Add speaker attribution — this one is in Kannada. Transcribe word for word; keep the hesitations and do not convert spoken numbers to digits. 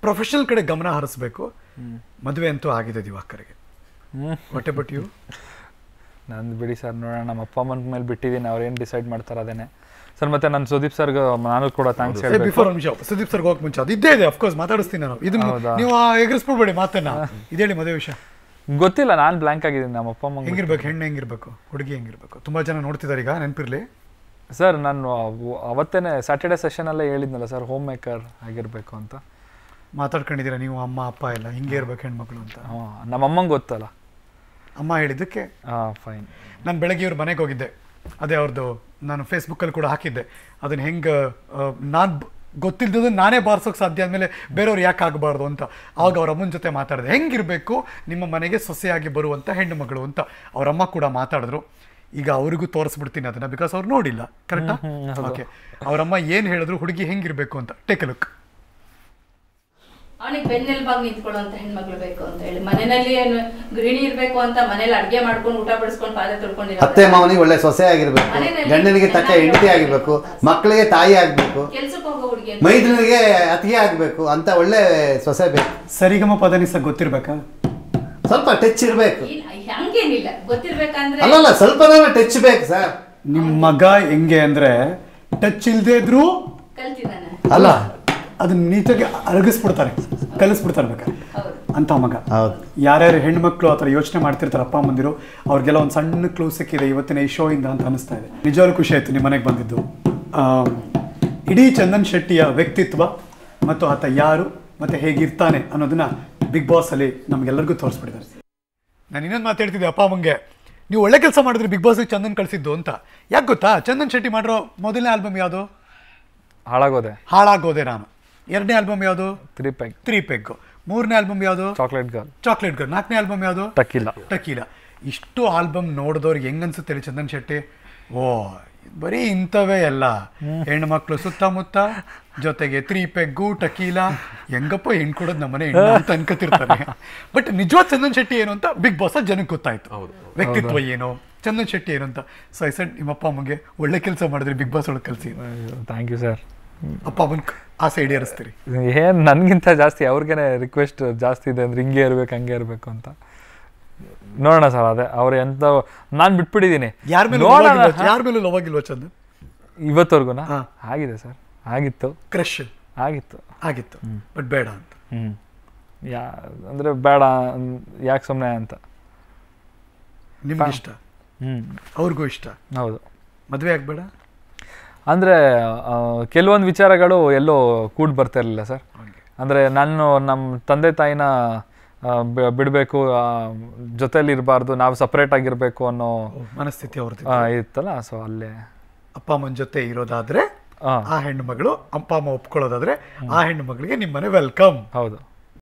Speaker 1: ಪ್ರೊಫೆಷನಲ್ ಕಡೆ ಗಮನ ಹರಿಸ್ಬೇಕು. ಮದುವೆ ಅಂತೂ ಆಗಿದೆ ದಿವಾಕರ್ಗೆ. What about you?
Speaker 2: ನಂದು ಬಿಡಿ ಸರ್, ನೋಡೋಣ. ನಮ್ಮ ಅಪ್ಪ ಅಮ್ಮನ ಮೇಲೆ ಬಿಟ್ಟಿದ್ದೀನಿ, ಅವ್ರು ಏನು ಡಿಸೈಡ್ ಮಾಡ್ತಾರೆ ಅದೇನೆ ಸರ್. ಮತ್ತೆ ನಾನು ಸುದೀಪ್ ಸರ್ಗೆ ನಾನು ಕೂಡ ಥ್ಯಾಂಕ್ಸ್ ಹೇಳ್ಬೇಕು.
Speaker 1: ಬಿಫೋರ್ ನಿಮಿಷ ಸುದೀಪ್ ಸರ್ಗೆ ಹೋಗಕ್ಕೆ ಮುಂಚೆ ಅದು ಇದ್ದೇ ಇದೆ, ಅಫ್ಕೋರ್ಸ್ ಮಾತಾಡಿಸ್ತೀನಿ ನಾನು. ಇದು ನೀವು ಎಗರಿಸ್ಬಿಡ್ಬೇಡಿ ಮಾತನ್ನ. ಇದೇಳಿ ಮದುವೆ ವಿಷಯ
Speaker 2: ಗೊತ್ತಿಲ್ಲ, ನಾನು ಬ್ಲ್ಯಾಂಕ್ ಆಗಿದ್ದೀನಿ. ನಮ್ಮ ಅಪ್ಪ ಅಮ್ಮ
Speaker 1: ಹೆಂಗಿರ್ಬೇಕು, ಹೆಣ್ಣು ಹೆಂಗಿರ್ಬೇಕು, ಹುಡುಗಿ ಹೆಂಗಿರ್ಬೇಕು? ತುಂಬ ಜನ ನೋಡ್ತಿದ್ದಾರೆ ಈಗ, ನೆನಪಿರಲಿ
Speaker 2: ಸರ್. ನಾನು ಅವತ್ತೇನೆ ಸ್ಯಾಟರ್ಡೆ ಸೆಷನಲ್ಲೇ ಹೇಳಿದ್ನಲ್ಲ ಸರ್, ಹೋಮ್ ಮೇಕರ್ ಆಗಿರಬೇಕು ಅಂತ
Speaker 1: ಮಾತಾಡ್ಕೊಂಡಿದ್ದೀರಾ ನೀವು, ಅಮ್ಮ ಅಪ್ಪ ಎಲ್ಲ ಹಿಂಗೆ ಇರ್ಬೇಕು ಹೆಣ್ಮಕ್ಳು ಅಂತ.
Speaker 2: ಹಾಂ, ನಮ್ಮ ಅಮ್ಮಂಗೆ ಗೊತ್ತಲ್ಲ,
Speaker 1: ಅಮ್ಮ ಹೇಳಿದ್ದಕ್ಕೆ.
Speaker 2: ಹಾಂ, ಫೈನ್.
Speaker 1: ನಾನು ಬೆಳಗ್ಗೆ ಇವ್ರ ಮನೆಗೆ ಹೋಗಿದ್ದೆ, ಅದೇ ಅವ್ರದ್ದು ನಾನು ಫೇಸ್ಬುಕ್ಕಲ್ಲಿ ಕೂಡ ಹಾಕಿದ್ದೆ. ಅದನ್ನು ಹೆಂಗೆ ನಾನು ಗೊತ್ತಿಲ್ಲದ ನಾನೇ ಬಾರಿಸೋಕೆ ಸಾಧ್ಯ ಆದಮೇಲೆ ಬೇರೆಯವ್ರು ಯಾಕೆ ಆಗಬಾರ್ದು ಅಂತ. ಆವಾಗ ಅವ್ರ ಅಮ್ಮನ ಜೊತೆ ಮಾತಾಡಿದೆ, ಹೆಂಗಿರಬೇಕು ನಿಮ್ಮ ಮನೆಗೆ ಸೊಸೆಯಾಗಿ ಬರುವಂಥ ಹೆಣ್ಣು ಮಗಳು ಅಂತ. ಅವರಮ್ಮ ಕೂಡ ಮಾತಾಡಿದ್ರು. ಈಗ ಅವ್ರಿಗೂ ತೋರಿಸ್ಬಿಡ್ತೀನಿ ಅದನ್ನು, ಬಿಕಾಸ್ ಅವ್ರು ನೋಡಿಲ್ಲ. ಕರೆಕ್ಟಾ? ಓಕೆ. ಅವರಮ್ಮ ಏನು ಹೇಳಿದ್ರು, ಹುಡುಗಿ ಹೆಂಗಿರಬೇಕು ಅಂತ. Take a look.
Speaker 3: ಅವನಿಗೆ ಬೆನ್ನೆಲುಬಾಗಿ ನಿಂತ್ಕೊಳ್ಳುವಂತ ಹೆಣ್ಮಕ್ಳು ಬೇಕು ಅಂತ ಹೇಳಿ, ಮನೆಯಲ್ಲಿ ಗೃಹಿಣಿ ಇರ್ಬೇಕು ಅಂತ, ಮನೇಲಿ ಅಡ್ಗೆ ಮಾಡ್ಕೊಂಡು ಊಟ ಬಡಿಸ್ಕೊಂಡು ಪಾದ ತೊಳ್ಕೊಂಡಿರೋ
Speaker 4: ಅತ್ತೆ ಮಾವನಿಗೆ ಒಳ್ಳೆ ಸೊಸೆ ಆಗಿರ್ಬೇಕು, ಗಂಡನಿಗೆ ತಕ್ಕ ಹೆಂಡತಿ ಆಗಿರ್ಬೇಕು, ಮಕ್ಕಳಿಗೆ ತಾಯಿ ಆಗ್ಬೇಕು,
Speaker 3: ಕೆಲ್ಸಕ್ಕೆ ಹೋಗೋ ಹುಡುಗಿ
Speaker 4: ಮೈದನಿಗೆ ಅತಿಗೆ ಆಗ್ಬೇಕು ಅಂತ ಒಳ್ಳೆ ಸೊಸೆ ಬೇಕು.
Speaker 1: ಸರಿಗಮ ಪದನಿಸ ಗೊತ್ತಿರ್ಬೇಕಾ?
Speaker 4: ಸ್ವಲ್ಪ ಟಚ್ ಇರ್ಬೇಕು.
Speaker 3: ಹಂಗೇನಿಲ್ಲ, ಗೊತ್ತಿರ್ಬೇಕಂದ್ರೆ
Speaker 4: ಅಲ್ಲಲ್ಲ, ಸ್ವಲ್ಪ ಟಚ್ ಬೇಕು ಸರ್.
Speaker 1: ನಿಮ್ಮ ಮಗ ಹೆಂಗೆ ಅಂದ್ರೆ ಟಚ್ ಇಲ್ದೇ ಇದ್ರು
Speaker 3: ಕಲ್ತಿದ್ದಾನೆ
Speaker 1: ಅಲ್ಲ, ಅದನ್ನ ನೀಟಾಗಿ ಅರಗಿಸ್ಬಿಡ್ತಾರೆ, ಕಲಿಸ್ಬಿಡ್ತಾರೆ ಬೇಕಾದ್ರೆ ಅಂತ ಮಗ. ಯಾರ್ಯಾರು ಹೆಣ್ಮಕ್ಳು ಆ ಥರ ಯೋಚನೆ ಮಾಡ್ತಿರ್ತಾರೆ ಅಪ್ಪ ಅಮ್ಮಂದಿರು, ಅವ್ರಿಗೆಲ್ಲ ಒಂದು ಸಣ್ಣ ಕ್ಲೂ ಸಿಕ್ಕಿದೆ ಇವತ್ತಿನ ಈ ಶೋ ಇಂದ ಅಂತ ಅನಿಸ್ತಾ ಇದೆ. ನಿಜವಾಗ್ಲೂ ಖುಷಿ ಆಯ್ತು ನಿಮ್ಮ ಮನೆಗೆ ಬಂದಿದ್ದು. ಇಡೀ ಚಂದನ್ ಶೆಟ್ಟಿಯ ವ್ಯಕ್ತಿತ್ವ ಮತ್ತು ಆತ ಯಾರು ಮತ್ತು ಹೇಗಿರ್ತಾನೆ ಅನ್ನೋದನ್ನ ಬಿಗ್ ಬಾಸ್ ಅಲ್ಲಿ ನಮ್ಗೆಲ್ಲರಿಗೂ ತೋರಿಸ್ಬಿಟ್ಟಿದ್ದಾರೆ. ನಾನು ಇನ್ನೊಂದು ಮಾತಾಡ್ತಿದ್ದೆ ಅಪ್ಪ ಅಮ್ಮಂಗೆ, ನೀವು ಒಳ್ಳೆ ಕೆಲಸ ಮಾಡಿದ್ರಿ ಬಿಗ್ ಬಾಸ್ಗೆ ಚಂದನ್ ಕಳಿಸಿದ್ದು ಅಂತ. ಯಾಕೆ ಗೊತ್ತಾ? ಚಂದನ್ ಶೆಟ್ಟಿ ಮಾಡಿರೋ ಮೊದಲನೇ ಆಲ್ಬಮ್ ಯಾವುದು?
Speaker 2: ಹಾಳಾಗೋದೆ.
Speaker 1: ಹಾಳಾಗೋದೆ ನಾನು. ಎರಡನೇ ಆಲ್ಬಮ್ ಯಾವುದು?
Speaker 2: Three peg.
Speaker 1: Three peg. ಮೂರನೇ ಆಲ್ಬಮ್ ಯಾವುದು?
Speaker 2: Chocolate girl.
Speaker 1: Chocolate girl. ನಾಲ್ಕನೇ ಆಲ್ಬಮ್ ಯಾವುದು?
Speaker 2: ಟಕೀಲಾ.
Speaker 1: ಟಕೀಲಾ. ಇಷ್ಟು ಆಲ್ಬಮ್ ನೋಡಿದವ್ರಿಗೆ ಹೆಂಗ್ ಅನ್ಸುತ್ತೆ ಹೇಳಿ ಚಂದನ್ ಶೆಟ್ಟಿ? ಓ ಬರೀ ಇಂಥವೇ ಎಲ್ಲ ಹೆಣ್ಮಕ್ಳು ಸುತ್ತಮುತ್ತ, ಜೊತೆಗೆ ತ್ರೀ ಪೆಗ್ಗು ಟಕೀಲಾ, ಹೆಂಗಪ್ಪ ಹೆಣ್ಣು ಕೊಡೋದು ನಮ್ಮನೆ ಹೆಣ್ಣು ಅಂತ ಅನ್ಕೋತಿರ್ತಾರೆ. ಬಟ್ ನಿಜವಾದ ಚಂದನ್ ಶೆಟ್ಟಿ ಏನು ಅಂತ ಬಿಗ್ ಬಾಸ್ ಜನಕ್ಕೆ ಗೊತ್ತಾಯ್ತು. ವ್ಯಕ್ತಿತ್ವ ಏನು, ಚಂದನ್ ಶೆಟ್ಟಿ ಏನು ಅಂತ. ಸೊ ಐ ಸೆಡ್ ನಿಮ್ಮಪ್ಪ ಅಮ್ಮಗೆ ಒಳ್ಳೆ ಕೆಲಸ ಮಾಡಿದ್ರಿ ಬಿಗ್ ಬಾಸ್ ಒಳಗೆ ಕಲಿಸಿ.
Speaker 2: Thank you sir.
Speaker 1: ಅಪ್ಪ ಅಮ್ಮನ ಆಸೆ ಈಡೇರಿಸ್ತೀರಿ.
Speaker 2: ಏನು ನನಗಿಂತ ಜಾಸ್ತಿ ಅವ್ರಿಗೇನೆ ರಿಕ್ವೆಸ್ಟ್ ಜಾಸ್ತಿ ಇದೆ, ಅಂದ್ರೆ ಹಿಂಗೆ ಇರ್ಬೇಕು ಹಂಗೆ ಇರಬೇಕು ಅಂತ. ನೋಡೋಣ ಸರ್, ಅದೇ ಅವ್ರು ಎಂತ ನಾನು ಬಿಟ್ಬಿಟ್ಟಿದ್ದೀನಿ.
Speaker 1: ಯಾರ ಮೇಲೆ ಯಾರ ಮೇಲೂ ಲವ್ ಆಗಿಲ್ವಾ ಚಂದನ್
Speaker 2: ಇವತ್ತವರೆಗುನಾ? ಆಗಿದೆ ಸರ್, ಆಗಿತ್ತು.
Speaker 1: ಕ್ರಶ್
Speaker 2: ಆಗಿತ್ತು
Speaker 1: ಆಗಿತ್ತು ಬಟ್ ಬೇಡ ಅಂತ.
Speaker 2: ಹ್ಞೂ ಯಾ ಅಂದರೆ ಬೇಡ ಯಾಕೆ ಸುಮ್ಮನೆ ಅಂತ.
Speaker 1: ನಿಮ್ಗೆ ಇಷ್ಟ,
Speaker 2: ಹ್ಞೂ
Speaker 1: ಅವ್ರಿಗೂ ಇಷ್ಟ.
Speaker 2: ಹೌದು.
Speaker 1: ಮದುವೆ ಆಗಬೇಡ
Speaker 2: ಅಂದರೆ ಕೆಲವೊಂದು ವಿಚಾರಗಳು ಎಲ್ಲೋ ಕೂಡಿ ಬರ್ತಾ ಇರಲಿಲ್ಲ ಸರ್. ಅಂದರೆ ನಾನು ನಮ್ಮ ತಂದೆ ತಾಯಿನ ಬಿಡಬೇಕು, ಜೊತೆಲಿ ಇರಬಾರ್ದು, ನಾವು ಸಪ್ರೇಟ್ ಆಗಿರಬೇಕು ಅನ್ನೋ
Speaker 1: ಮನಸ್ಥಿತಿ ಅವ್ರದ್ದು
Speaker 2: ಇತ್ತಲ್ಲ. ಸೊ ಅಲ್ಲೇ
Speaker 1: ಅಪ್ಪ ಅಮ್ಮನ ಜೊತೆ ಇರೋದಾದ್ರೆ ಆ ಹೆಣ್ಣು ಮಗಳು, ಅಪ್ಪ ಅಮ್ಮ ಒಪ್ಕೊಳ್ಳೋದಾದ್ರೆ ಆ ಹೆಣ್ಣು ಮಗಳಿಗೆ ನಿಮ್ಮನೆ ವೆಲ್ಕಮ್.
Speaker 2: ಹೌದು.